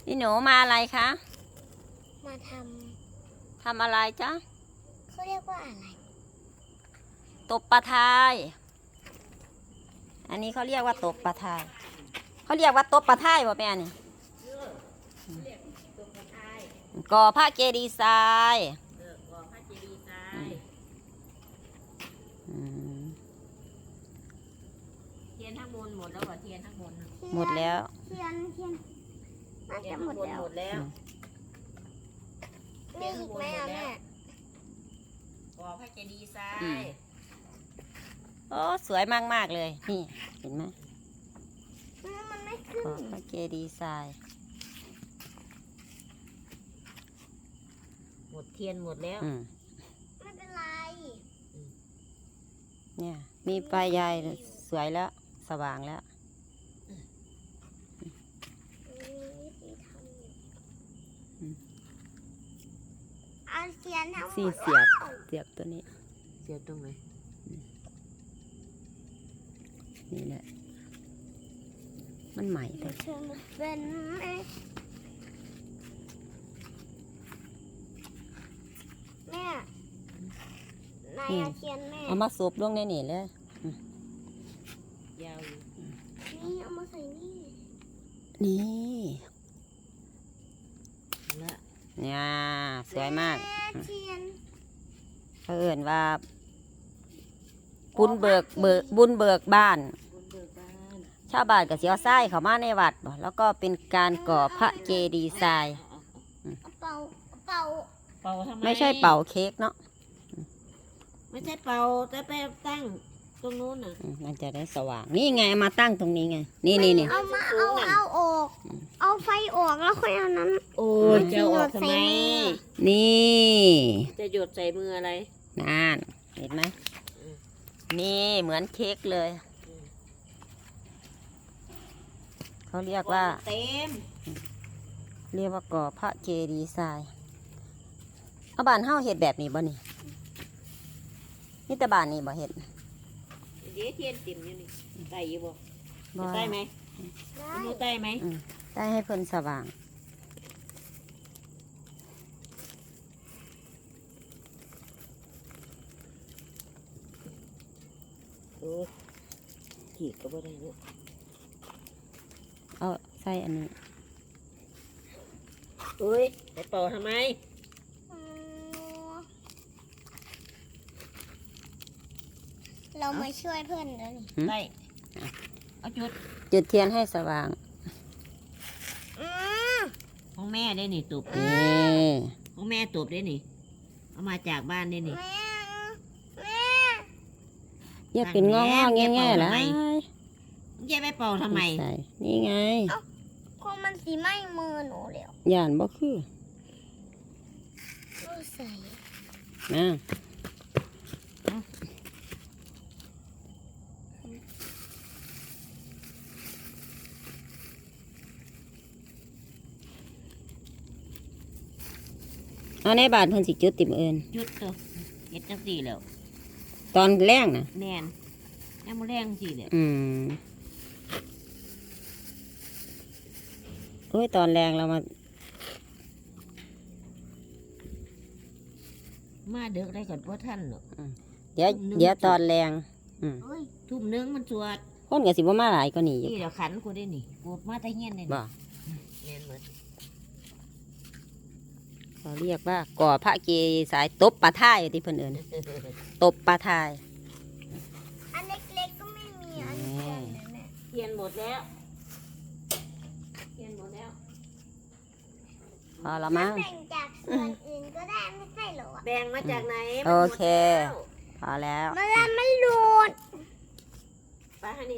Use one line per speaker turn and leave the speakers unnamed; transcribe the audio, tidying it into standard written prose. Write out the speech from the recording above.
พี่หนูมาอะไรคะ
มา
ทำอะไรจ๊ะ
เขาเรียกว่าอะไร
ตบปลาทายอันนี้เขาเรียกว่าตบปลาทายเขาเรียกว่าตบปลาทายบ่แม่นี่ก่อพระเจดีย์ทราย
ก่อพระเจดีย์ทรายเทียนทั้งบนหมดแล้วเหรอเทียนทั้งบน
หมดแล้ว
เทียนน่าจะหมดแล้วมีอีกไหมอ่ะแม่
ก่อพระเจดีย์ทราย
โอ้สวยมากๆเลยนี่เห็นไหม
มันไม่ขึ้น
ก่อพระเจดีย์ทราย
หมดเทียนหมดแล้ว
ไม่เป็นไร
เนี่ยมีไฟใหญ่สวยแล้วสว่างแล้ว
เอาเทียนทั้งหมด
เสียบตัวนี้
เสียบตรงไหน
นี่แหละมันใหม่แต่
เป็นแม่นายเทียนแม่
เอามาสูบลงในนี่เลย
ยาวอยู่
นี่เอามาใส่นี่
ละเนี่ยสวยมาก
เทียน
เอิ้นว่าบุญเบิกบ้านชาวบ้านกับเสียวไส้เขามาในวัดแล้วก็เป็นการก่อพระเจดีย์ทราย
เป่า
ทำไม
ไม่ใช่เป่าเค้กเนาะ
ไม่ใช่เป่าแต่ไปตั้งตรงนู้นน่ะ
มันจะได้สว่างนี่ไงมาตั้งตรงนี้ไงนี่
เอามาเอาออกเอาไฟออกแล้วค่อยเอานั้น
โอ้ยจะออกทำไม
นี่
จะหยดใส่มืออะไร
นั่นเห็นไหมนี่เหมือนเค้กเลยเขาเรียกว่าก่อพระเจดีย์ทรายเอาบ้านเฮาเห็ดแบบนี้บ่นี่แต่บ้านนี้บ่เห็ด
เดี๋ยวเทียนติ่มอยู่นี่ใต้อยู่บ่ใต้ไหมใต้ไหม
ใต้ให้เพิ่นสว่าง
ขีดก็บ่ได้เนาะ
เอาใส่อันนี้
อุ้ยไปเป่าทำไม
เรามาช่วยเพื่อนแล้วนี่
ได้เอา
จุดเทียนให้สว่าง
ของแม่ได้นี่ตุบของแม่ตุบได้นี่เอามาจากบ้านได้นี่
อย่าเป็นงอแง่ๆเลย
แย่ไปเป่าทำไม
นี่ไง
คงมันสีไหม้มือหนูแล้ว
ย่านบ่คือ
ใส่
นะเอาในบาทเพิ่นสิจุดติ่มเอิญ
จุดตัวเฮ็ดจังสี่แล้ว
ตอนแรกนะ
แน่นยังบ่แรงสิเนี่ย
โอ้ยตอนแรงเรา
มาเด็กได้ก่อนพ่อท่านเนาะ
เดี๋ยวตอนแรง
ทุ่มนึงมันสวด
คนกับสิบ่มาหลายก็หนี
นี่เดี๋ยวขันกูได้นี่กูมาแต่เงี้ยนี่
บ่
แม่นหมด
เขาเรียกว่าก่อพระเจดีย์ทรายตบปลาทายที่เพิ่นเอิ้นตบปลาทาย
อันเล็กๆก็ไม่มีอันนี้
เทียนหมดแล้ว
พอละมั้ง
แบ่งจากส่วนอื่นก็ได้ไม่ใช่หรอ
แบ่งมาจากไหน
โอเคพอแล้ว
มันไม่หลุด
ไป